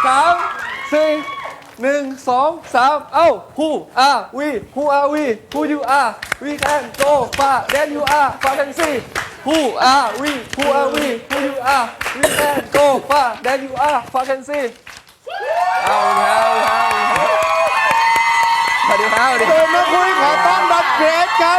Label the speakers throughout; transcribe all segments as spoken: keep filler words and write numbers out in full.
Speaker 1: สามสี่หนึ่งสองสามเอ้า Who are we Who are we Who you are We can go far Then you are far can see Who are we Who are we Who you are We can go far Then you are far can see เอาแล้วสวัสดีครับสวัสดีครับ
Speaker 2: เดินมาคุยขอต้อนรับเกรซครับ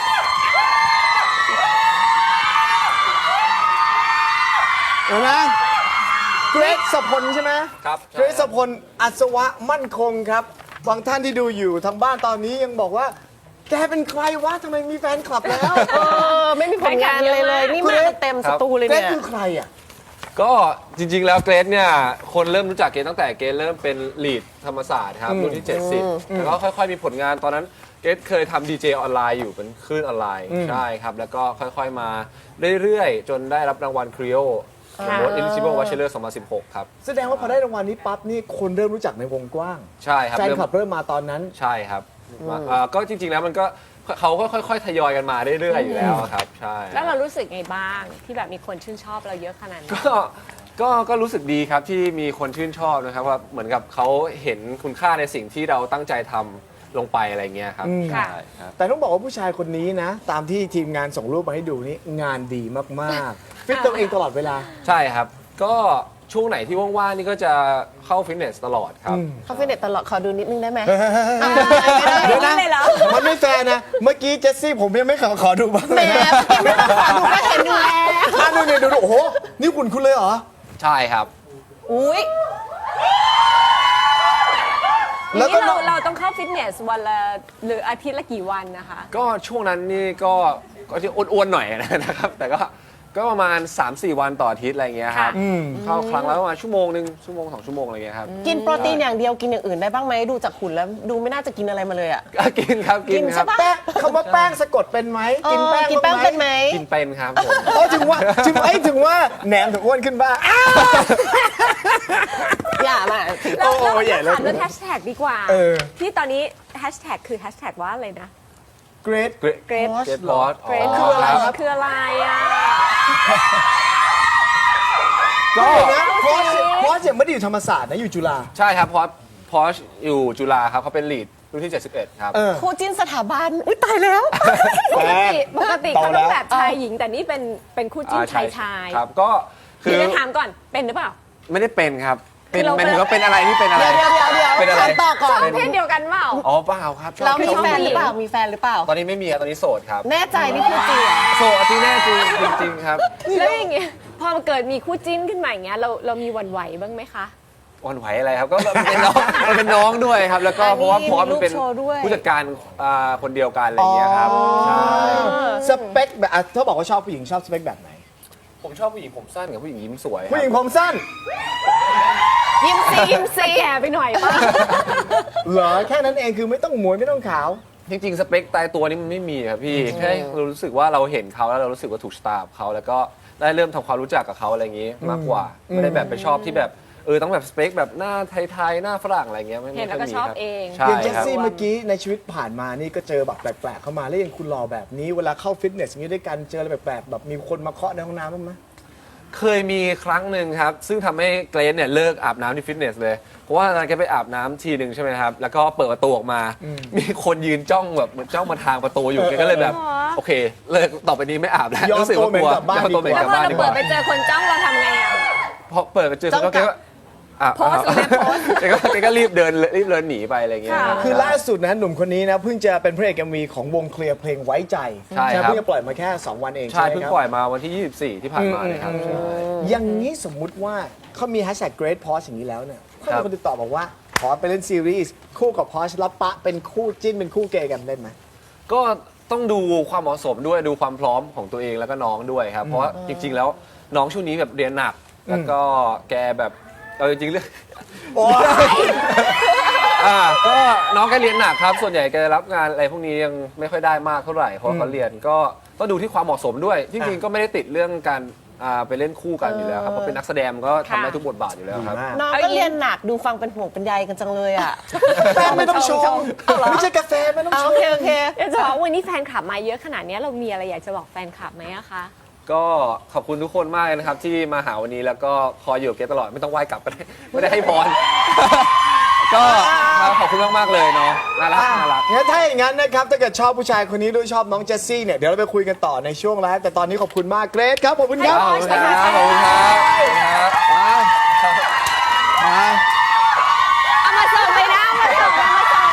Speaker 2: เห็นไหมเกรซสพลใช่ไหม
Speaker 1: ครับ
Speaker 2: เกรซสพลอัศวะมั่นคงครับบางท่านที่ดูอยู่ทางบ้านตอนนี้ยังบอกว่าแกเป็นใครวะทำไมมีแฟนคลับแล้ว
Speaker 3: เออไม่มีผลงานเลยเลยนี่มาเต็มสตูเลย
Speaker 2: เกร
Speaker 3: เนี่
Speaker 2: ซ
Speaker 3: ย
Speaker 2: คือใครอ่ะ
Speaker 1: ก็จริงๆแล้วเกรซเนี่ยคนเริ่มรู้จักเกรซตั้งแต่เกรซเริ่มเป็นลีดธรรมศาสตร์ครับรุ่นที่เจ็ดสิบแล้วก็ค่อยๆมีผลงานตอนนั้นเกรซเคยทำดีเจออนไลน์อยู่เป็นคลื่นออนไลน์ใช่ครับแล้วก็ค่อยๆมาเรื่อยๆ จนได้รับรางวัลครีโอ Most Eligible Bachelor สองพันสิบหกครับ
Speaker 2: แสดงว่าพอได้รางวัลนี้ปั๊บนี่คนเริ่มรู้จักในวงกว้าง
Speaker 1: ใช่ครับ
Speaker 2: แฟน
Speaker 1: เริ่ม
Speaker 2: คลับเริ่มมาตอนนั้น
Speaker 1: ใช่ครับอ่าก็จริงๆแล้วมันก็เขาก็ค่อยๆทยอยกันมาเรื่อยๆอยู่แล้วครับใช่
Speaker 4: แล้วเรารู้สึกไงบ้างที่แบบมีคนชื่นชอบเราเยอะขนาดนี้
Speaker 1: ก็ก็ก็รู้สึกดีครับที่มีคนชื่นชอบนะครับว่าเหมือนกับเขาเห็นคุณค่าในสิ่งที่เราตั้งใจทำลงไปอะไรเงี้ยครับ
Speaker 2: อืม
Speaker 1: ใช่ครับ
Speaker 2: แต่ต้องบอกว่าผู้ชายคนนี้นะ ตามที่ทีมงานส่งรูปมาให้ดูนี่งานดีมากๆ ฟิตตัวเองตลอดเวลา
Speaker 1: ใช่ครับ ก็ช่วงไหนที่ว่างๆนี่ก็จะเข้าฟิตเนสตลอดครับ
Speaker 3: เขาฟิตเนสตลอดขอดูนิดนึงได้ไหม
Speaker 2: เดี๋ยวนะ
Speaker 4: เลยเหรอ
Speaker 2: มันไม่แฟร์นะ เมื่อกี้เจสซี่ผมยังไม่ขอขอดูบ้าง
Speaker 3: แหม
Speaker 2: เลยนะ
Speaker 3: ไม่ต้องขอดูก็เห็นอยู่แล้ว
Speaker 2: อ่ะดูเนี่ยดูดูโอ้โห นี่คุณคุณเลยเหรอ
Speaker 1: ใช่ครับ
Speaker 3: อุ้ย
Speaker 2: แล้วก็
Speaker 4: นี่
Speaker 2: น้
Speaker 4: เรา
Speaker 2: อง
Speaker 4: เราต้องเข้าฟิตเนสวันละหรืออาทิตย์ละกี่วันนะคะ
Speaker 1: ก็ช่วงนั้นนี่ก็ก็จะอ้วนๆหน่อยนะครับ แต่ก็ก็ประมาณ สามสี่ วันต่ออาทิตย์อะไรเงี้ยครับ
Speaker 4: ค่ะ
Speaker 1: เข้าครั้งละประมาณชั่วโมงหนึ่งชั่วโมงสองชั่วโมงอะไรเงี้ยครับ
Speaker 3: กินโปรตีนอย่างเดียวกินอย่างอื่นได้บ้างไหมดูจากหุ่นแล้วดูไม่น่าจะกินอะไรมาเลยอ่ะ
Speaker 1: ก็กินครับกิน
Speaker 3: กิน
Speaker 1: ครั
Speaker 3: ใช่
Speaker 1: บ
Speaker 3: ปะ
Speaker 2: แป้งคำว่าแป้งสะกดเป็นไหม กินแป้ง
Speaker 3: กินแป้ง
Speaker 2: บ้า
Speaker 3: เป็นไหม
Speaker 1: กินเป็นครับผม
Speaker 2: โอ้ถึงว่าถึงไอ้ยถึงว่าแหนมถึงอ้วนขึ้นบ้าง
Speaker 3: อย่ามา
Speaker 4: เรา
Speaker 2: โอ้
Speaker 4: เรา
Speaker 2: ใหญ่เลย
Speaker 4: ถามเรื่องแฮชแท็กดีกว่า
Speaker 2: เออ
Speaker 4: ที่ตอนนี้แฮชแท็กคือแฮชแท็กว่าอะไรนะ
Speaker 2: เกรด
Speaker 1: Great
Speaker 4: Great
Speaker 1: Great b o s
Speaker 4: เกรด
Speaker 2: คืออะไรครับ
Speaker 4: คืออะไรอ่ะ
Speaker 2: ก็
Speaker 4: เล่า
Speaker 2: เพราะ
Speaker 4: สิ
Speaker 2: เพราะยังไม่ได้อยู่ธรรมศาสตร์นะอยู่จุฬา
Speaker 1: ใช่ครับเพราะพอชอยู่จุฬาครับเขาเป็นลีดรุ่นที่เจ็ดสิบเอ็ดครับ
Speaker 2: เออ
Speaker 3: คู่จิ้นสถาบันอุ้ยตายแล้ว
Speaker 4: ปกติปกติ
Speaker 2: โต
Speaker 4: เขา
Speaker 2: แล้
Speaker 4: ต้อง
Speaker 2: ว
Speaker 4: แบบชายหญิงแต่นี่เป็นเป็นคู่จิ้น
Speaker 1: อ่
Speaker 4: ชายชาย
Speaker 1: ครับก็คื
Speaker 4: เดี๋
Speaker 1: อ
Speaker 4: ยวจะถามก่อนเป็นหรือเปล่า
Speaker 1: ไม่ได้เป็นครับ เป็น
Speaker 4: คือเรา
Speaker 1: หมายถึงว่าเป็นอะไรที่เป็นอะไร
Speaker 3: เดี๋ยวเดี๋ยวเดี๋ยว
Speaker 1: เป็นอะไร
Speaker 3: ถามต่อก่อน
Speaker 4: เพศเดียวกันเปล่า
Speaker 1: อ๋อเปล่าครับชอบ
Speaker 3: เรามี
Speaker 1: ชอบ
Speaker 3: แฟน
Speaker 1: ผู้
Speaker 3: ห
Speaker 1: ญิ
Speaker 3: รื
Speaker 1: ง
Speaker 3: อเปล่ามีแฟนหรือเปล่า
Speaker 1: ตอนนี้ไม่มีครับตอนนี้โสดครับ
Speaker 3: แน่ใจนี่พูดจริงเหรอ
Speaker 1: โสดที่แน่จริงจริงๆครับ
Speaker 4: แล้วอย่างเงี้ยพอมันเกิดมีคู่จิ้นขึ้นมาอย่างเงี้ยเราเรามีหวั่นไหวบ้างไหมคะ
Speaker 1: อ่อนไหวอะไรครับก็มันเป็นน้องมันเป็นน้องด้วยครับ แล้วก็
Speaker 3: อันนี้
Speaker 1: เพราะว่าพอสมันเป็น
Speaker 3: มีรูปโชว์ด้วย
Speaker 1: ผู้จัดการอ่าคนเดียวกันอะไรอย่างเงี้ยครับใช่
Speaker 2: สเปคแบบอ่ะถ้าบอกว่าชอบผู้หญิงชอบสเปคแบบไหน
Speaker 1: ผมชอบผู้หญิงผมสั้นกับผู้หญิงยิ้มสวยครับ
Speaker 2: ผู้หญิงผมสั้น
Speaker 3: ยิ้มซียิ้มซี
Speaker 4: แก่ไปหน่อยป่ะ
Speaker 2: เหรอแค่นั้นเองคือไม่ต้องหมวยไม่ต้องขาว
Speaker 1: จริงๆสเปคตายตัวนี้มันไม่มีครับพี่แค่เรารู้สึกว่าเราเห็นเขาแล้วเรารู้สึกว่าถูกสตาร์เขาแล้วก็ได้เริ่มทำความรู้จักกับเขาอะไรอย่างงี้มากกว่าไม่ได้แบบไปชอบที่แบบเออต้องแบบสเปคแบบหน้าไทยๆหน้าฝรั่งอะไรเงี้ยไม่
Speaker 4: เห็นแล้ว
Speaker 1: ไม่
Speaker 4: ก็
Speaker 1: ค่ยมี
Speaker 4: ชอบ
Speaker 1: ครับ
Speaker 4: เอง
Speaker 1: ใช่
Speaker 2: อย่างเจส
Speaker 1: ครับ
Speaker 2: ซี่เมื่อกี้ในชีวิตผ่านมานี่ก็เจอแบบแปลกๆเข้ามาแล้วยังคุณหล่อแบบนี้เวลาเข้าฟิตเนสอย่างนี้ด้วยกันเจออะไรแปลกๆแบบมีคนมาเคาะในห้องน้ำบ้างไหม
Speaker 1: เคยมีครั้งหนึ่งครับ ซึ่งทำให้เกรซเนี่ยเลิกอาบน้ำที่ฟิตเนสเลย เพราะว่าตอนนั้นแกไปอาบน้ำทีหนึ่งใช่ไหมครับ แล้วก็เปิดประตูออกมา มีคนยืนจ้องแบบเหมือนจ้องมาทางประตูอยู่แกก็เลยแบบ โอเค เลิกต่อไปนี้ไม่อาบแล้ว
Speaker 2: ยอม
Speaker 1: รู้สึกว่ากลัว
Speaker 2: ตัวเหม็นกลับบ้าน
Speaker 1: ยอมตัวเหม็น
Speaker 2: ดี
Speaker 1: ก
Speaker 2: ก
Speaker 1: ลั
Speaker 2: ว่า
Speaker 1: บ
Speaker 4: แล้วพ
Speaker 1: บ้า
Speaker 4: อน เรา
Speaker 1: ดีก
Speaker 4: เปิด
Speaker 1: ว่า
Speaker 4: ไปเจอคนจ้องเราทำไงอ่ะ
Speaker 1: พอเปิดไปเจอเขาแกก็อ่ะ
Speaker 4: โพสต์แม่โพสต์
Speaker 1: แกก็แกก็รีบเดินรีบเดินหนีไปอะไรเงี้ย
Speaker 4: ค่ะ
Speaker 2: คือล่าสุดนะหนุ่มคนนี้นะเพิ่งจะเป็นพระเอกเอ็มวีของวงเคลียร์เพลงไว้ใจ
Speaker 1: ใช่ครับ
Speaker 2: เพิ่งจะปล่อยมาแค่สองวันเอง
Speaker 1: ใช่
Speaker 2: ใช่ไหม
Speaker 1: เพิ่ง
Speaker 2: ครับ
Speaker 1: ปล่อยมาวันที่ยี่สิบสี่ที่ผ่านมาเลยครับใช่
Speaker 2: อย่างนี้สมมุติว่าเขามีแฮชแท็ก Great Porsche อย่างนี้แล้วเนี่ยเขา
Speaker 1: ครั
Speaker 2: มี
Speaker 1: บ
Speaker 2: คนติดต่อบอกว่า ขอไปเล่นซีรีส์คู่กับ Porsche แล้วปะเป็นคู่จิ้นเป็นคู่เกย์กันเล่นไหม
Speaker 1: ก็ต้องดูความเหมาะสมด้วยดูความพร้อมของตัวเองแล้วก็น้องด้วยครับ เพราะว่าจริง ๆ แล้วน้องช่วงนี้แบบเรียนหนัก แล้วก็แกแบบเอาจริงๆเรื่อง
Speaker 2: โอ้ย
Speaker 1: อ่าก็น้องแกเรียนหนักครับ ส่วนใหญ่แกรับงานอะไรพวกนี้ยังไม่ค่อยได้มากเท่าไหร่เพราะว่าเขาเรียนก็ต้องดูที่ความเหมาะสมด้วยจริงๆก็ไม่ได้ติดเรื่องการอ่าไปเล่นคู่กันอยู่แล้วครับเพราะเป็นนักแสดงก็ทำได้ทุกบทบาทอยู่แล้วครับ
Speaker 3: น้องก็เรียนหนักดูฟังเป็นห่วงเป็นใยกันจังเลยอ่ะ
Speaker 2: แฟนไม่ต้องชงไม่ใช่กาแฟไม่ต้อง
Speaker 3: เอา
Speaker 2: ช
Speaker 3: โอง เคโอเค
Speaker 4: เดี๋ยวจะบอกว่าวันนี้แฟนคลับมาเยอะขนาดนี้เรามีอะไรอยากจะบอกแฟนคลับไหมอะคะ
Speaker 1: ก็ขอบคุณทุกคนมากเลยนะครับ ที่มาหาวันนี้แล้วก็คอยอยู่กับเกรทตลอดไม่ต้องไหว้กลับก็ได้ไม่ได้ให้พร ก็ขอบคุณมากๆเลยเนาะน่ารักน่ารัก
Speaker 2: งั้นถ้าอย่างนั้นนะครับถ้าเกิดชอบผู้ชายคนนี้ด้วยชอบน้องเจสซี่เนี่ยเดี๋ยวเราไปคุยกันต่อในช่วงไลฟ์แต่ตอนนี้ขอบคุณมากเกรทครับขอบคุณครับ
Speaker 1: ขอบคุณครับขอบคุณครับขอบคุณครับ
Speaker 2: ไปไป
Speaker 4: เอามาส่งเลยนะเอามาส่งเอามาส่ง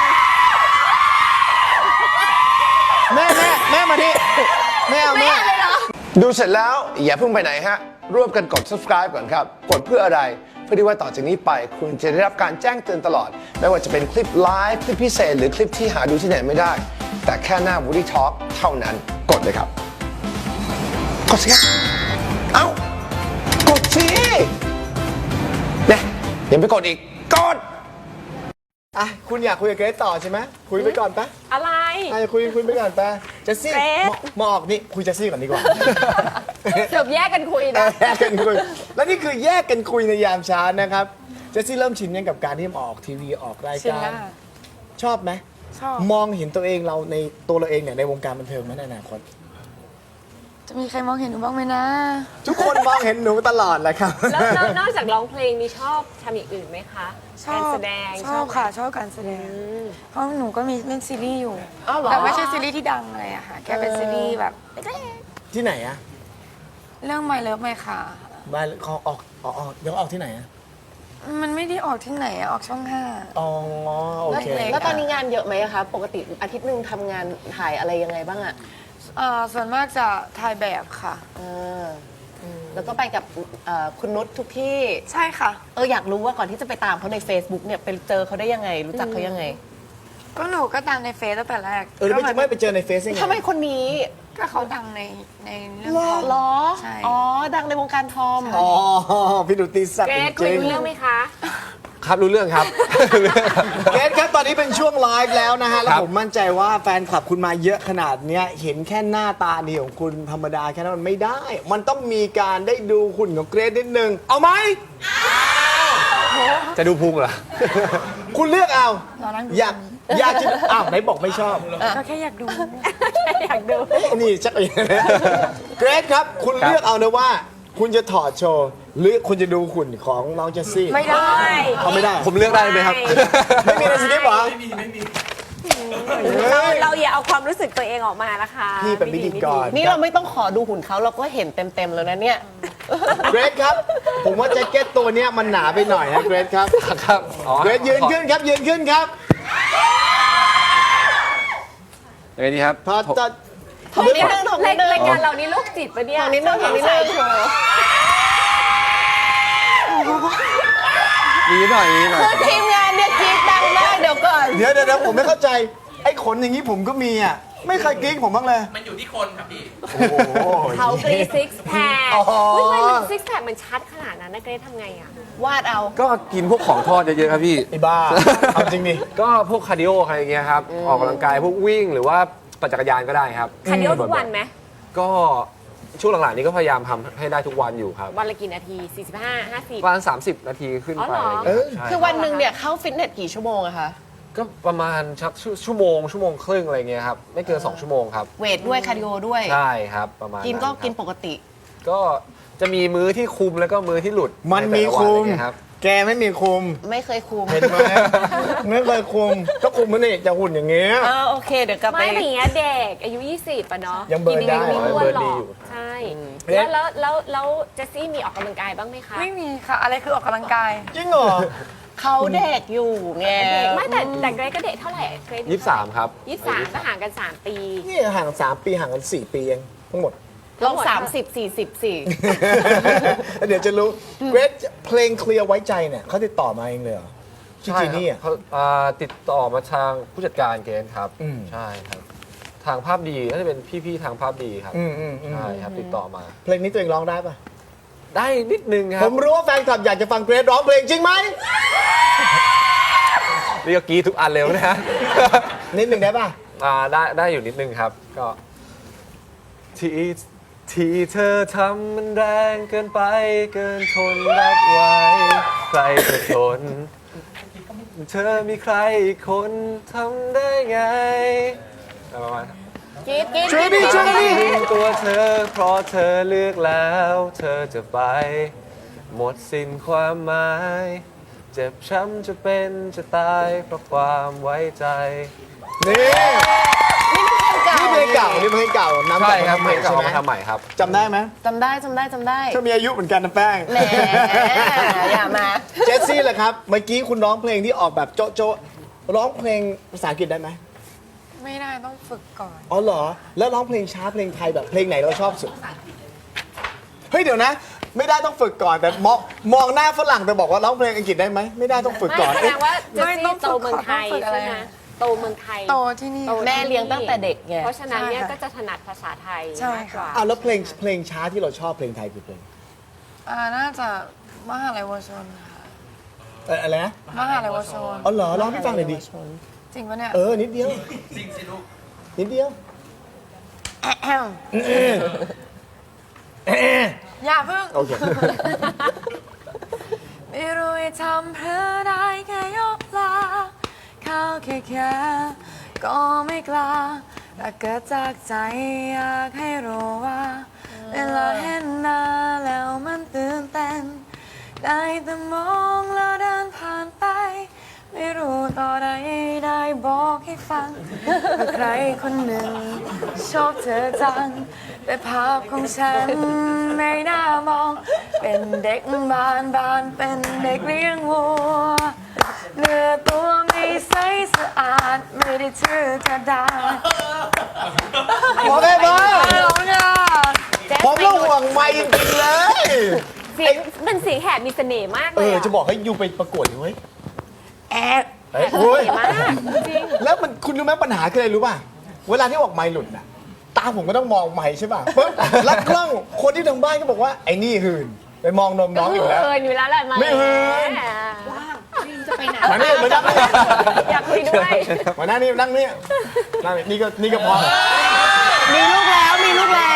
Speaker 2: แม่แม่แม่มาดิแม่เอา
Speaker 4: ไม่
Speaker 2: แม่
Speaker 4: เอาเลยเหรอ
Speaker 5: ดูเสร็จแล้วอย่าเพิ่งไปไหนฮะ ร่วมกันกด subscribe ก่อนครับ กดเพื่ออะไร เพื่อที่ว่าต่อจากนี้ไปคุณจะได้รับการแจ้งเตือนตลอด ไม่ว่าจะเป็นคลิปไลฟ์คลิปพิเศษ หรือคลิปที่หาดูที่ไหนไม่ได้ แต่แค่หน้า Woody Talk เท่านั้นกดเลยครับ กดสิครับเอ้ากดสิเนี่ยยังไปกดอีก กด
Speaker 2: อ่ะคุณอยากคุยกับเกรทต่อใช่ไหมคุยไปก่อนปะ
Speaker 4: อะไร
Speaker 2: อ่ะคุยคุยไปก่อนปะเจสซี่
Speaker 4: เกรท
Speaker 2: มามาออกนี่คุยเจสซี่ก่อนดีกว่า
Speaker 4: เดี๋ยวแยกกันคุยนะ
Speaker 2: แยกกันคุยแล้วนี่คือแยกกันคุยในยามเช้านะครับเจสซี่เริ่มชินยังกับการที่มาออกทีวีออกราย
Speaker 6: ชิน
Speaker 2: การ
Speaker 6: แล้วค่ะ
Speaker 2: ชอบไหม
Speaker 6: ชอบ
Speaker 2: มองเห็นตัวเองเราในตัวเราเองเนี่ยในวงการบันเทิงไหมในอนาคต
Speaker 6: จะมีใครมองเห็นหนูบ้างไหมนะ
Speaker 2: ทุกคนมองเห็นหนูตลอดแหละครับ
Speaker 4: แล้วแล้วนอกจากร้องเพลงมีชอบทำอย่างอื่นไหมคะ
Speaker 6: ชอบ
Speaker 4: การแสดง
Speaker 6: ชอบ
Speaker 4: ไหม
Speaker 6: ค่ะ ชอบการแสดง เพราะหนูก็มีเล่นซีรีส์อยู่
Speaker 4: อ้าวเหรอ
Speaker 6: แต่ไม่ใช่ซีรีส์ที่ดังอะไรอะค่ะ แค่เป็นซีรีส์แบบเล็ก
Speaker 2: ที่ไหนอะ
Speaker 6: ๆเรื่อง My Love My ค่ะ
Speaker 2: บ้านเขาออกออกออกเดี๋ยวออกที่ไหนอะ
Speaker 6: มันไม่ได้ออกที่ไหนอะออกช่องห้า
Speaker 2: อ๋อโอเค
Speaker 6: เล็กๆ
Speaker 3: แล้วตอนนี้งานเยอะไหมอะคะ ปกติอาทิตย์หนึ่งทำงานถ่ายอะไรยังไงบ้างอะ
Speaker 6: เอ่อส่วนมากจะถ่ายแบบค่ะ
Speaker 3: เออแล้วก็ไปกับเอ่อคุณนุชทุกที่
Speaker 6: ใช่ค่ะ
Speaker 3: เอออยากรู้ว่าก่อนที่จะไปตามเขาใน Facebook เนี่ยไปเจอเขาได้ยังไง รู้จักเขายังไง
Speaker 6: ก็หนูก็ตามในเฟซตั้งแต่แรก
Speaker 2: เออแล้วไม่จะไม่ไปเจอในเฟซได้ไง
Speaker 3: ทำไมคนนี้
Speaker 6: ก็เขาดังในในเรื่องของ
Speaker 3: ล้อ
Speaker 6: ใช่
Speaker 3: อ๋อ ดังในวงการทอม
Speaker 2: อ๋อพี่ดูตีสัตว์
Speaker 4: เกร
Speaker 2: จ
Speaker 4: ทคุย
Speaker 2: ริง
Speaker 4: รู้เรื่องไหมคะ
Speaker 1: ครับรู้เรื่องครับ
Speaker 2: ๆเกรทครับตอนนี้เป็นช่วงไลฟ์แล้วนะฮะ แล้ว
Speaker 1: ครับ
Speaker 2: ผมมั่นใจว่าแฟนคลับคุณมาเยอะขนาดเนี้ยเห็นแค่หน้าตาดีของคุณธรรมดาแค่นั้นมันไม่ได้ มันต้องมีการได้ดูหุ่นของเกรทนิดนึง เอาไหม
Speaker 1: จะดูพุงเหรอ
Speaker 2: คุณเลือกเอา
Speaker 6: รอนั่งดู
Speaker 2: อยากอยากจะอ้าวไหนบอกไม่ชอบ
Speaker 6: ก็แค่อยากดู
Speaker 4: อยากดู
Speaker 2: นี่ชักอย่างนี้เกรทครับ คุณเลือกเอานะว่า คุณจะถอดโชว์ หรือคุณจะดูหุ่นของน้องเจสซี่
Speaker 6: ไม่ได้
Speaker 2: เขาไม่ได้
Speaker 1: ผมเลือกได้ไหมครับ
Speaker 2: ไม่มีในสคริปต์เหรอ
Speaker 4: เราเราอย่าเอาความรู้สึกตัวเองออกมานะคะ
Speaker 2: พี่เป็นพิธีกร
Speaker 3: นี่เราไม่ต้องขอดูหุ่นเขาเราก็เห็นเต็มๆแล้วนะเนี่ย
Speaker 2: เกรทครับ ผมว่าแจ็คเก็ตตัวเนี้ยมันหนาไปหน่อยนะเกรทครับ
Speaker 1: ครับอ๋อ
Speaker 2: เกรทยืนขึ้นครับยืนขึ้นครับ
Speaker 1: ยังไงดีครับ
Speaker 2: ถอดถอด
Speaker 3: ถอดนิดนึงถอดนิดนึง
Speaker 4: รายการเรานี่โรคจิตปะเนี่ย
Speaker 3: ถอดนิดนึงถอดนิดนึง
Speaker 1: มีหน่อยมีหน่อย
Speaker 3: คือทีมงานเนี่ยกรี๊ดดังมากเดี๋ยวก่อน
Speaker 2: เดี๋ยวเดี๋ยวเดี๋ยวผมไม่เข้าใจ ไอ้ขนอย่างนี้ผมก็มีอ่ะ ไม่เคยกรี๊ดผมบ้างเลย
Speaker 7: มันอยู่ที่คนครับพี่
Speaker 2: โอ้โห
Speaker 4: เขากรีซิกแพค
Speaker 2: อ๋อ
Speaker 4: อุ้ยทำไมมันซิกแพคมันชัดขนาดนั้นนะเกรททำไงอ่ะ
Speaker 3: วาดเอา
Speaker 1: ก็กินพวกของทอดเยอะๆครับพี่
Speaker 2: ไอ้บ้า เอาจริงดิ
Speaker 1: ก็พวกคาร์ดิโออะไรอย่างเงี้ยครับ ออกกำลังกายพวกวิ่งหรือว่าปั่นจักรยานก็ได้ครับ
Speaker 4: คาร์ดิโอทุกวันไหม
Speaker 1: ก็ช่วงหลังๆนี้ก็พยายามทำให้ได้ทุกวันอยู่ครับ
Speaker 4: วันละกี่นาที สี่สิบห้า ห้าสิบ
Speaker 1: ประมาณ30 นาทีขึ้น
Speaker 4: อ๋อ
Speaker 1: ไป
Speaker 4: เหรอ
Speaker 1: อะไรอย่างเงี้ยใช่
Speaker 3: คือวันหนึ่งเนี่ยเข้าฟิตเนสกี่ชั่วโมงอะคะ
Speaker 1: ก็ประมาณชักชั่วชั่วโมงชั่วโมงครึ่งอะไรเงี้ยครับ ไม่เกิน 2 ชั่วโมงครับ
Speaker 3: เวทด้วยคาร์ดิโอด้วย
Speaker 1: ใช่ครับประมาณ
Speaker 3: กินก็
Speaker 1: ครับ
Speaker 3: กินปกติ
Speaker 1: ก็จะมีมื้อที่คุมแล้วก็มื้อที่หลุด
Speaker 2: มันมี
Speaker 1: ใแต่ละวั
Speaker 2: คุม
Speaker 1: อะไรเงี้ยครับ
Speaker 2: แกไม่มีคุม
Speaker 3: ไม่เคยคุม
Speaker 2: เห็นไหมไม่เคยคุม ก็คุมมันนี่จะหุ่นอย่างเงี้ย
Speaker 3: เออโอเค เดี๋ยวกลับไป
Speaker 4: ไม่แต่อย่างเงี้ยเด็กอายุ ยี่สิบป่ะเนาะ
Speaker 2: ยังเบิร์นได้
Speaker 4: กิไม่อ้วนหร
Speaker 1: เบิร์นดี
Speaker 4: อ
Speaker 1: อยู่
Speaker 4: กใช่ แล้วแล้วแล้วแล้วเจสซี่มีออกกำลังกายบ้างไหมคะ
Speaker 6: ไม่มีค่ะ อะไรคือออกกำลังกาย
Speaker 2: จริงเหรอ
Speaker 3: เขาเด็กอยู่ไง
Speaker 4: เด็กไม่แต่แต่เกรทก็เด็กเท่าไหร่เกรท
Speaker 1: ยี่สิบสามครับ
Speaker 4: ยี่สิบสามก็ห่างกันสามปี
Speaker 2: นี่ห่างกันสามปีห่างกันสี่ปีเองทั้งหมด
Speaker 3: ลองสามสิบสี่สิบสี่
Speaker 2: เดี๋ยวจะรู้เกรทเพลงเคลียร์ไว้ใจเนี่ยเขาติดต่อมาเองเลยเหรอที่จีนี่อ่ะ
Speaker 1: เขาอ่าติดต่อมาทางผู้จัดการเกณฑ์ครับ
Speaker 2: อืม
Speaker 1: ใช่ครับ ทางภาพดีน่าจะเป็นพี่ๆทางภาพดีครับ
Speaker 2: อืมอืมอืม
Speaker 1: ใช่ครับติดต่อมา
Speaker 2: เพลงนี้ตัวเองร้องได้ปะ
Speaker 1: ได้นิดนึงค
Speaker 2: ผ
Speaker 1: รับ
Speaker 2: มรู้ว่าแฟนคลับอยากจะฟังเกรทร้องเพลงจริงไหม
Speaker 1: เรียกกรีดทุกอันเร็วนะฮะ
Speaker 2: นิดหนึ่งได้ปะ
Speaker 1: อ่าได้ได้อยู่นิดนึงครับ ก็ ที่ที่เธอทำมันแรงเกินไปเกินทนรับไว้ใครจะทน เธอมีใครอีกคนทำได้ไงประมาณนั้น
Speaker 3: กรีดกรีด
Speaker 2: ช่วยดิช่วยดิ
Speaker 1: ทิ้งตัวเธอเพราะเธอเลือกแล้ว เธอจะไป หมดสิ้นความหมาย เจ็บช้ำจะเป็นจะตายเพราะความไว้ใจ
Speaker 2: นี่นี่เพลงเก่านี่เพลงเก่าน้ำ
Speaker 1: ใช่ครับ
Speaker 2: ให
Speaker 1: เพล
Speaker 2: ม่
Speaker 1: ง
Speaker 2: ใช่
Speaker 1: เก่า
Speaker 2: ไหม
Speaker 1: มาทำใหม่ครับ
Speaker 2: จำได้ไหม
Speaker 3: จำได้จำได้จำได้
Speaker 2: เธอมีอายุเหมือนกันนะแป้ง
Speaker 3: แหมอย่ามา
Speaker 2: เจสซี่ล่ะครับ เมื่อกี้คุณร้องเพลงที่ออกแบบโจ๊ะโจ๊ะร้องเพลงภาษาอังกฤษได้ไหม
Speaker 6: ไม่ได้ต้องฝึกก่อน
Speaker 2: อ๋อเหรอ แล้วร้องเพลงช้าเพลงไทยแบบเพลงไหนเราชอบสุด เฮ้ยเดี๋ยวนะ ไม่ได้ต้องฝึกก่อนแต่มองมองหน้าฝรั่งแต่บอกว่าร้องเพลงอังกฤษได้ไหมไม่ได้ต้องฝึกก่อน
Speaker 4: ไม่แสดงว่าเจส
Speaker 6: ไม่
Speaker 4: ซี่
Speaker 6: ต้อง
Speaker 4: โตเมืองไทย
Speaker 6: ฝึกอะไร
Speaker 4: ใช่ไหมโตเมืองไทย
Speaker 6: โตที่นี่
Speaker 4: โต
Speaker 3: แม่เลี้ยงตั้งแต่เด็กไง
Speaker 4: เพราะฉะนั้นเนี่ย
Speaker 6: ใช่ค่ะ
Speaker 4: ก็จะถนัดภาษาไทย
Speaker 6: ใช่
Speaker 4: มากกว่า
Speaker 6: ค่ะ
Speaker 2: อ้าวแล้วเพลงเพลงช้าที่เราชอบเพลงไทยคือเพลง
Speaker 6: อ่าน่าจะมหาลัยวชนค่ะ
Speaker 2: เอออะไรนะ
Speaker 6: มหาลัยวชน
Speaker 2: อ๋อเหรอร้องให้ฟังหน่อยดิ
Speaker 6: จริงปะเนี่ย
Speaker 2: เออนิดเดียวนิดเดียว
Speaker 6: อย่าเพิ่ง
Speaker 2: โอเค
Speaker 6: ไม่รู้จะทำเพื่อได้แค่ยกลาเข้าแค่แค่ก็ไม่กล้าแต่เกิดจากใจอยากให้รู้ว่า เวลาเห็นหน้าแล้วมันตื่นเต้นได้แต่มองแล้วเดินผ่านไป ไม่รู้ต่อใดได้บอกให้ฟังว่าใครคนหนึ่งชอบเธอจัง แต่ภาพของฉันไม่น่ามอง เป็นเด็กบ้านบ้านเป็นเด็กเลี้ยงวัวเนื้อตัวไม่ใสสะอาดไม่ได้ชื่อกระดาษ
Speaker 2: โอเคบ้า
Speaker 6: ร้องอ่ะ
Speaker 2: ผมก็ห่วงไม่จริงๆเลย
Speaker 4: เสียงเป็นเสียงแหบมีเสน่ห์มาก
Speaker 2: เอ
Speaker 4: เลย
Speaker 2: อ
Speaker 4: อะ
Speaker 2: จะบอกให้ยูไปประกวดเลยเว้ย
Speaker 6: แอบ
Speaker 2: เฮ้ยโอ้ย
Speaker 4: เสน่ห์มากจริง
Speaker 2: แล้วมันคุณรู้ไหมปัญหาคืออะไรรู้ป่ะ เวลาที่ออกไมค์หลุดน่ะ ตาผมก็ต้องมองไมค์ใช่ป่ะปุ๊บแล้วกล้องคนที่ทางบ้านก็บอกว่าไอ้นี่หื่นไปมองนมน้องอยู่แล้ว
Speaker 4: เอออยู่แล้วแหละมา
Speaker 2: ไม่เหิน
Speaker 3: จะไปไหน
Speaker 2: มานี่มานั่งนี่
Speaker 4: อยากคุยด้วย
Speaker 2: มานั่งนี่นั่งนี่นั่งนี่นี่ก็นี่ก็พอ
Speaker 3: มีลูกแล้วมีลูกแล้ว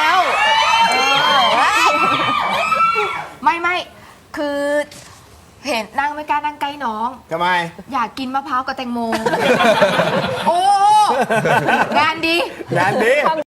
Speaker 7: ไม่ไม่คือเห็นนั่งไม่กล้านั่งใกล้น้อง
Speaker 2: ทำไม
Speaker 7: อยากกินมะพร้าวกับแตงโม โอ้งานดี
Speaker 2: งานดี
Speaker 4: ความ